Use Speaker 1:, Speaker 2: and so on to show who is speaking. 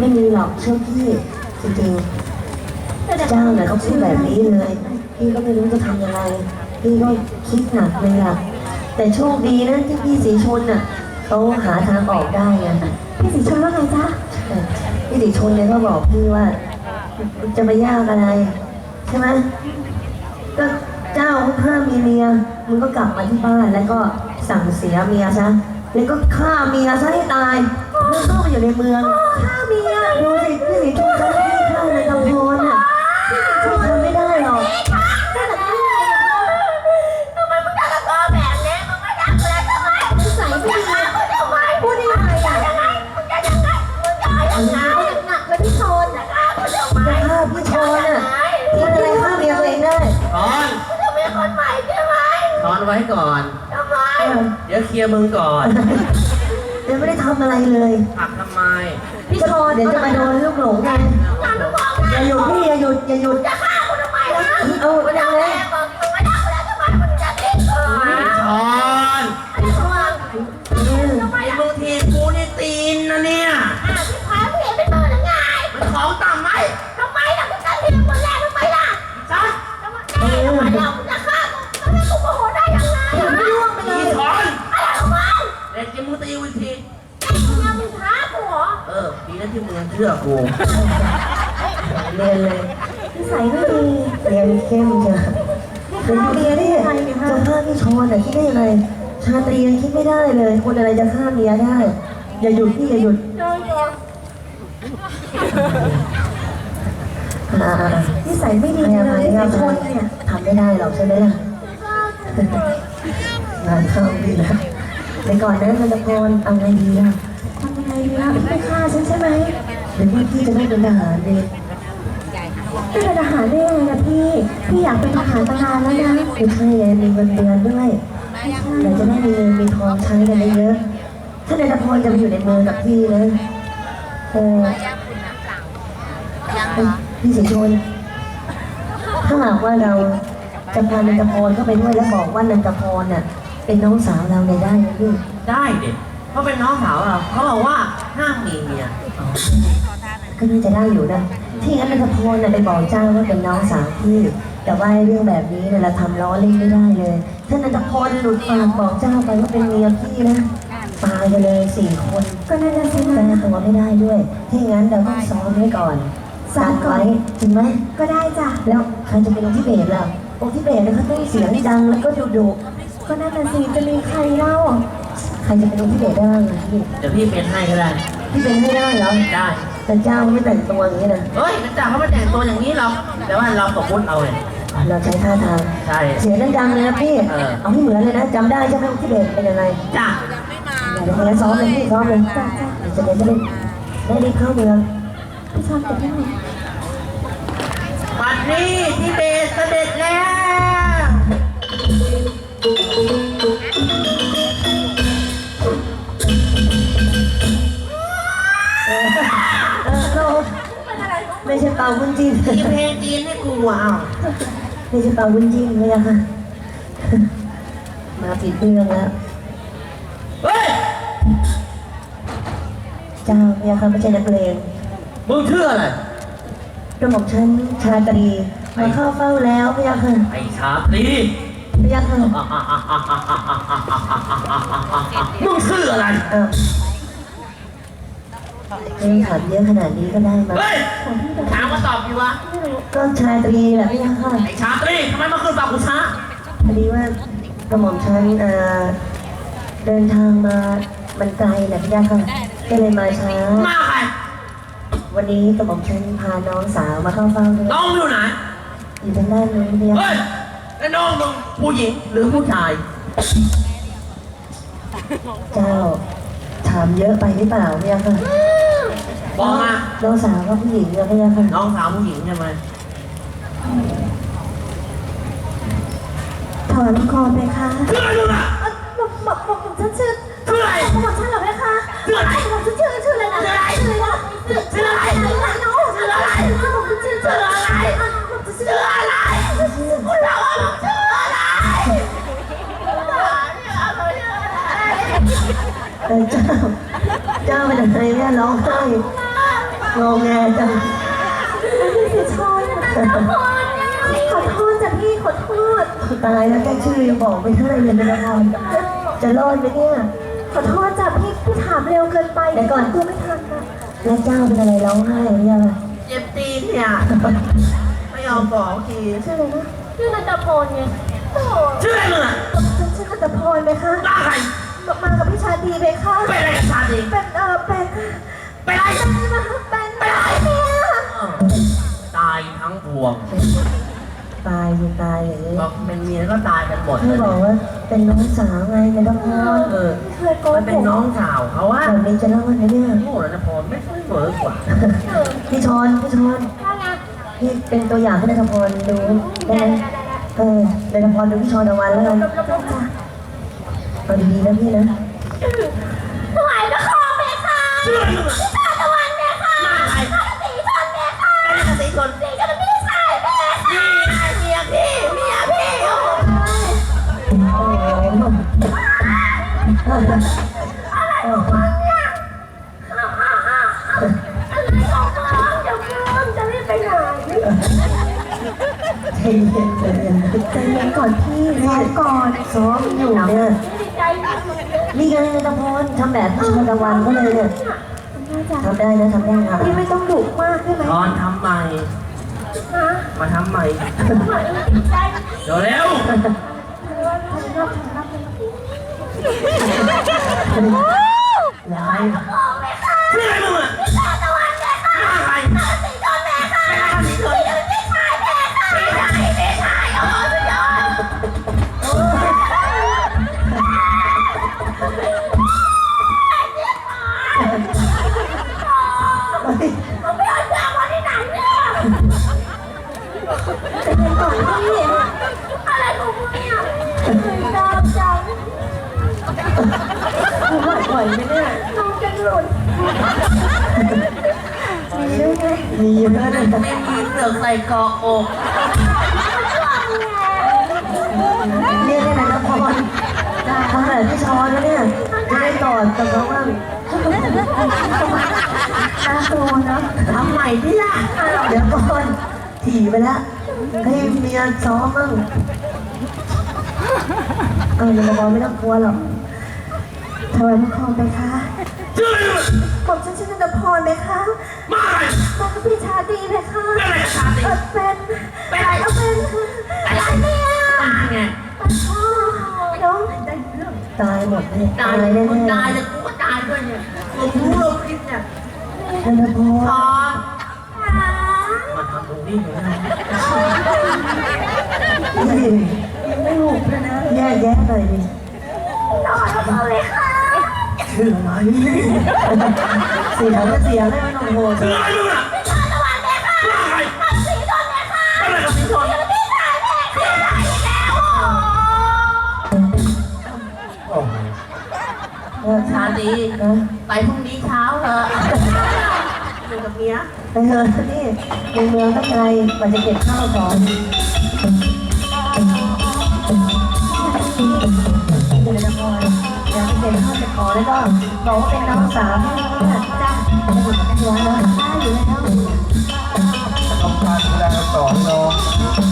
Speaker 1: ไม่มีหรอกเชื่อพี่จริงๆเจ้าเนี่ยเขาพูดแบบนี้เลยพี่ก็ไม่รู้จะทำยังไงพี่ก็คิดหนักเลยล่ะแต่โชคดีนะที่พี่สีชนน่ะเขาหาทางออกได้ไงพี่สีชนว่าไงจ๊ะพี่สีชนเนี่ยก็บอกพี่ว่าจะไปยากอะไรใช่ไหมก็เจ้าห้ามมีเมียมึงก็กลับมาที่บ้านแล้วก็สั่งเสียเมียซะแล้วก็ฆ่าเมียซะให้ตายแล้วเข้าไปอยู่ในเมืองฆ่าเมียดูสิพี่สีชนเขาไม่ฆ่าในกำพรน่ะทำไม่ได้หรอก
Speaker 2: ทำไมมึงจะตะโกนแบบนี้มึงไม่รักกูแล้วทำไมมึงใส่ไม่ดีมึงทำไมพูดยังไงอะยังไงมึงจะยังไงมึงจะยังไงหนักเลยพี่ชนจะฆ่ากูทำไม
Speaker 1: จะฆ่าพี่ชนน่ะพี่อะไรฆ่าเมียตัวเองได้
Speaker 3: ถอน
Speaker 2: มึงจะมีคนใหม่ใช่ไหม
Speaker 3: ถอนไว้ก่อน
Speaker 2: ทำไม
Speaker 3: เดี๋ยวเคลียร์มึงก่อน
Speaker 1: ยังไม่ได้ทำอะไรเลย
Speaker 3: ผักทำไม
Speaker 1: พี่ชนเดี๋ยวจะมาโดนลูกหลงไงอย่าหยุดพี่อย่าหยุดอย่าหยุด
Speaker 2: จะฆ่ากูทำไมนะ
Speaker 1: เอา
Speaker 2: มึง
Speaker 1: ยั
Speaker 2: จะ
Speaker 1: งไง
Speaker 2: แม่บอกมึงไม่รักกูแล้วทำไมมึงจะทิ้งกู
Speaker 3: ถอน
Speaker 2: ไอ้ชน
Speaker 3: ไอ้มึงทีกูนี่ตีนนะเนี่ย
Speaker 2: พี่พายพี่เป็นมือหรือไง
Speaker 3: มันของต่ำไหม
Speaker 2: ทำไมล่ะมึงจะทิ้งคนแรกทำไมล่ะ
Speaker 3: จ้า
Speaker 2: ทำไมล่ะมึงจะฆ่ากูทำไมกูโมโหได้ยังไงไม่ร่วงไปเลย
Speaker 3: ถอน
Speaker 2: อะไรของมึง
Speaker 3: เด็กจะมึงตีวิธี
Speaker 2: มึงยังมึงท้ากูเหรอ
Speaker 3: ดีนะที่มึงยังเชื่อกู
Speaker 1: เรียนเลยนิสัยไม่ดีเรียนเข้มจ้ะเป็นเรียนได้ยังไงจะฆ่าพี่ชนคิดได้ยังไงชาตรียังคิดไม่ได้เลยคนอะไรจะฆ่าเมียได้อย่าหยุดพี่อย่าหยุดนิสัยไม่ดีเลยพี่ชนเนี่ยทำไม่ได้หรอกใช่ไหมล่ะงานเข้าดีนะไปก่อนนะมันตะโกนเอาไงดีล่ะทำยังไงดีล่ะไม่ฆ่าฉันใช่ไหมหรือว่าพี่จะได้เป็นทหารดีเป็นทหารได้ยังไงนะพี่อยากเป็นทหารตั้งนานแล้วนะไม่ใช่เลยมีเงินเดือนด้วยเราจะได้มีเงินมีทองใช้กันเยอะถ้าในตะโกนจะไปอยู่ในเมืองกับพี่นะพี่สิชนถ้าหากว่าเราจะพานันทพรเข้าไปด้วยแล้วบอกว่านันทพรน่ะเป็นน้องสาวเราได้ไหมพี่
Speaker 3: ได้เด็กเขาเป็นน้องสาวเราเขาบอกว่าห้ามมีเมีย
Speaker 1: ก็น่าจะได้อยู่นะที่งั้นนันทพรน่ะไปบอกเจ้าว่าเป็นน้องสาวพี่แต่ว่าเรื่องแบบนี้เนี่ยเราทำล้อเล่นไม่ได้เลยถ้านันทพรหลุดปากบอกเจ้าไปว่าเป็นเมียพี่นะตายไปเลย4 คนก็น่าจะสิ้นแต่ตัวไม่ได้ด้วยที่งั้นเราต้องซ้อมไว้ก่อนซ้อมไว้จริงไหมก็ได้จ้ะแล้วใครจะเป็นองค์ทิเบตล่ะองค์ทิเบตเนี่ยเขาต้องเสียงดังแล้วก็ดุก็น่าจะสิจะมีใครเล่าใครจะเป็นองค์ทิเบตได้พี่
Speaker 3: เดี๋ยวพี่เป็นให้ก็ได้
Speaker 1: พี่เป็นให้ได้เหรอ
Speaker 3: ได้
Speaker 1: แต่เจ้าไม่แต่งตัวอย่างนี้นะ
Speaker 3: เฮ้ยมันจ่าเขาไม่แต่งตัวอย่างนี้หรอกแต่ว่าเราสมมติเอาเลย
Speaker 1: เราใช้ท่าทาง
Speaker 3: ใช่
Speaker 1: เสียงดังเลยนะพี่เอาให้เหมือนเลยนะจำได้ใช่ไหมองค์ทิเบตเป็นยังไง
Speaker 3: จ้า
Speaker 1: เดี๋ยวคนละซ้อมเลยพี่ซ้อมเลยจะได้รีบเข้าเมืองพี่ชอบแต่ที่ไหน
Speaker 3: วันนี้ที่เบสเสด็จแล้ว
Speaker 1: ไม่ใช่เป่าวุ้นจีน
Speaker 3: มีเพลงจีนให้กูว้าว
Speaker 1: ไม่ใช่เป่าวุ้นจีนเลยอะค่ะมาผิดเรื่องแล้ว
Speaker 3: เฮ้ย
Speaker 1: เจ้าเนี่ยค่ะไม่ใช่นักเลง
Speaker 3: มึงชื่ออะไร
Speaker 1: กระหม่อมฉันชาตรีมาเข้าเฝ้าแล้วพี่ยักษ์ค่ะ
Speaker 3: ไอชาตรี
Speaker 1: พี่ยักษ์ค่ะ
Speaker 3: มึงชื่ออะไร
Speaker 1: ถามเยอะขนาดนี้ก็ได้มา
Speaker 3: ถามมาตอบดีวะ
Speaker 1: ก็ชาตรีแหละพี่ยักษ์ค่ะ
Speaker 3: ไอชาตรีทำไมมาขึ้นตอบกูช้า
Speaker 1: พอดีว่ากระหม่อมฉันเดินทางมามันไกลแหละพี่ยักษ์ค่ะก็เลยมาช้า
Speaker 3: มาใคร
Speaker 1: วันนี้กระหม่อมฉันพาน้องสาวมาเข้าเฝ้าด้วย
Speaker 3: น้องอยู่ไหน
Speaker 1: อยู่ทางด้านนู้นพี่ยักษ์
Speaker 3: เฮ้ยแล้วน้องมึงผู้หญิงหรือผู้ชาย
Speaker 1: เจ้าถามเยอะไปหรือเปล่าพี่ยักษ์ค่ะ
Speaker 3: บอกมา
Speaker 1: น้องสาวก็ผู้หญิงนะพี่ยักษ์ค่ะ
Speaker 3: น้องสาวผู้หญิงใช่ไหม
Speaker 2: ถอนคอไปค่ะ
Speaker 3: ชื่ออะไรลูกอ่ะ
Speaker 2: บอกฉันชื่อ
Speaker 3: อะไร
Speaker 2: บอกฉันเหรอแม่คะ
Speaker 3: ชื่ออะไร
Speaker 2: บอกฉันชื่ออะไรนะชื่ออะไรชื่ออะไรน้องชื่ออะไรบอกฉันชื่ออะไรชื่ออะไรคุณเราบอกชื่ออะไร
Speaker 1: เจ้าเป็นอะไรเนี่ยร้องไห้งงแงจัง
Speaker 2: พี่สีชนขอโทษจ้ะพี่ขอโทษ
Speaker 1: ตายแล้วแค่ชื่อยังบอกไม่ได้เลยนะพรจะรอดไหมเนี่ย
Speaker 2: ขอโทษจ้ะพี่ถามเร็วเกินไป
Speaker 1: เดี๋ยวก่อน
Speaker 2: กูไม่ทันนะ
Speaker 1: แล้วเจ้าเป็นอะไรร้องไห้หรือยัง
Speaker 3: เจ็บตีนเนี่ยไม่ยอมบอกที
Speaker 2: ชื่ออะไรนะชื่อนันทพลไงโอ้
Speaker 3: ชื่ออะไรมึงอ่ะ
Speaker 2: ชื่อนันทพลไหมคะ
Speaker 3: บ้าใคร
Speaker 2: มากับพี่ชาดีไหมคะ
Speaker 3: เป็นอะไรกับชาดี
Speaker 2: เป็นเป็น
Speaker 3: เป็นอะไร
Speaker 2: เป็นเนี่ย
Speaker 3: ตายทั้งพวง
Speaker 1: ตายยังตายอย่างนี้
Speaker 3: บอกเป็นเมียก็ตายกันหมดเล
Speaker 1: พี่
Speaker 3: ย
Speaker 1: บอกว่าเป็นน้องสาวไงไม่ต้องพูด
Speaker 3: เออ
Speaker 2: เคยโก
Speaker 3: มัน
Speaker 2: ห
Speaker 3: เป็น
Speaker 2: ก
Speaker 3: น้องสาวเขาว่า
Speaker 1: แบบนี้จะรอดไหมเนี่ย
Speaker 3: โง่แล้วนะพรไม่ค่อยเหมือกว่า
Speaker 1: พี่ชอนพี่เป็นตัวอย่างให้นายธพรดูได้ไหมนายธพรดูพี่ชอนตะวันแล้วกันเอาดีๆนะพี่นะ
Speaker 2: ถวายพระคอเพคะ
Speaker 3: ชื่ออะไรมึงอ่ะ
Speaker 2: ชาตะวันเพคะ
Speaker 3: มาใคร
Speaker 2: สีชนเพคะ
Speaker 3: เป็นอะไรกับสีชน
Speaker 2: สีชนพี่ชายเพคะ
Speaker 3: นี่ไงเมียพี่โอ้โห
Speaker 1: โอ้โห
Speaker 2: อะไรของมึงเนี่ยอะไรของมึงเดี๋ยวมึงจะรีบไปไหน
Speaker 1: ใจเย็นใจเย็น
Speaker 2: ใจเย็นก่อนพี่ซ้อมก่อน
Speaker 1: ซ้อมอยู่เนี่ย
Speaker 2: ใจเย็น
Speaker 1: นี่ไงนายธพรทำแบบพี่ชอนตะวันก็เลยเนี่ยทำได้นะทำได้ครับ
Speaker 2: พี่ไม่ต้องดุมากได้ไหม
Speaker 3: ตอนทำใหม่
Speaker 2: ฮะ
Speaker 3: มาทำใหม่
Speaker 2: ใจ
Speaker 3: เดี๋ยวเร็ว
Speaker 1: ร้าย
Speaker 3: ชื่ออะไรมึงอ่ะ
Speaker 2: ชาตะวันเพคะ
Speaker 3: มาใคร
Speaker 2: สีชนเพคะ
Speaker 3: เป็นอะไรกับสีชน
Speaker 2: พี่ชายเพคะพี่ชายโอ้สุดยอด ผมไม่เอาเสื้อมาที่ไหนเนี่ยแต่ยังก่อนพี่อะไรของมึงเนี่ยดาวจัง
Speaker 1: ไหวไหมเนี่ย
Speaker 2: น้องจะหลุดมีด้วยไง
Speaker 1: มีเยอะเลย
Speaker 3: ไม่มีเสือกใส่เกาะอก
Speaker 1: เรียกได้ไหมนายธพรทำแบบพี่ชอนแล้วเนี่ยจะได้กอดกับเขาบ้าง
Speaker 2: น่ากลัวนะ
Speaker 3: ทำใหม่ที่ละ
Speaker 1: เดี๋ยวก่อนถี่ไปแล้วให้เมียซ้อมบ้างนายธพรไม่ต้องกลัวหรอก
Speaker 2: ถวายพระคอไปคะ
Speaker 3: ชื่ออะไรมึง
Speaker 2: ผมชื่อนันทพรไหมคะ
Speaker 3: มาใคร
Speaker 2: มากับพี่ชาดีไหมคะ
Speaker 3: เป็นอะไรกับชาดี
Speaker 2: เป็นอะไรอะไรเนี่ย
Speaker 3: ตายไง
Speaker 2: พ่อน้อง
Speaker 1: ตายหมดเลย
Speaker 3: ตาย
Speaker 1: แน่
Speaker 3: มึง
Speaker 1: ๆ
Speaker 3: ตายเลยกูก็ตายด้วยเนี่ยกูรู้ลมคิดเนี่ย
Speaker 1: นายธพ
Speaker 3: พ
Speaker 1: ร
Speaker 3: อมาทำตรงนี้อยู่นะ
Speaker 1: ไม่ถูกเลยนะแย่แย่หน่อยดิ
Speaker 2: น้อยมาเลยค่ะ
Speaker 1: ชื่ออะไรเสียงก็เสียงให้มันโอ้โห
Speaker 3: ชื่ออะไรมึงอ่ะ
Speaker 2: ชาตะวันแม่ค่ะ
Speaker 3: มาใคร
Speaker 2: สีชนแม่ค่ะ
Speaker 3: เป็นอะไรกับสีชน
Speaker 2: พี่ชายแม่ค่ะอีกแล้ว
Speaker 3: โอ้โหชาดี
Speaker 1: นะ
Speaker 3: ไปพรุ่งนี้เช้าเถอะอยู่กับเมีย
Speaker 1: ไปเถอะนี่ในเมืองตั้งไกลกว่าจะเก็บข้าวของเดี๋ยวจะพออยากไปเก็บข้าวเก็บของแล้วก็บอกว่าเป็นน้องสาวที่นี่นะจ้าจะอยู่กับพี่ร้านนะได้อยู่แล้ว
Speaker 4: ต้องการดูแลต่อน้อง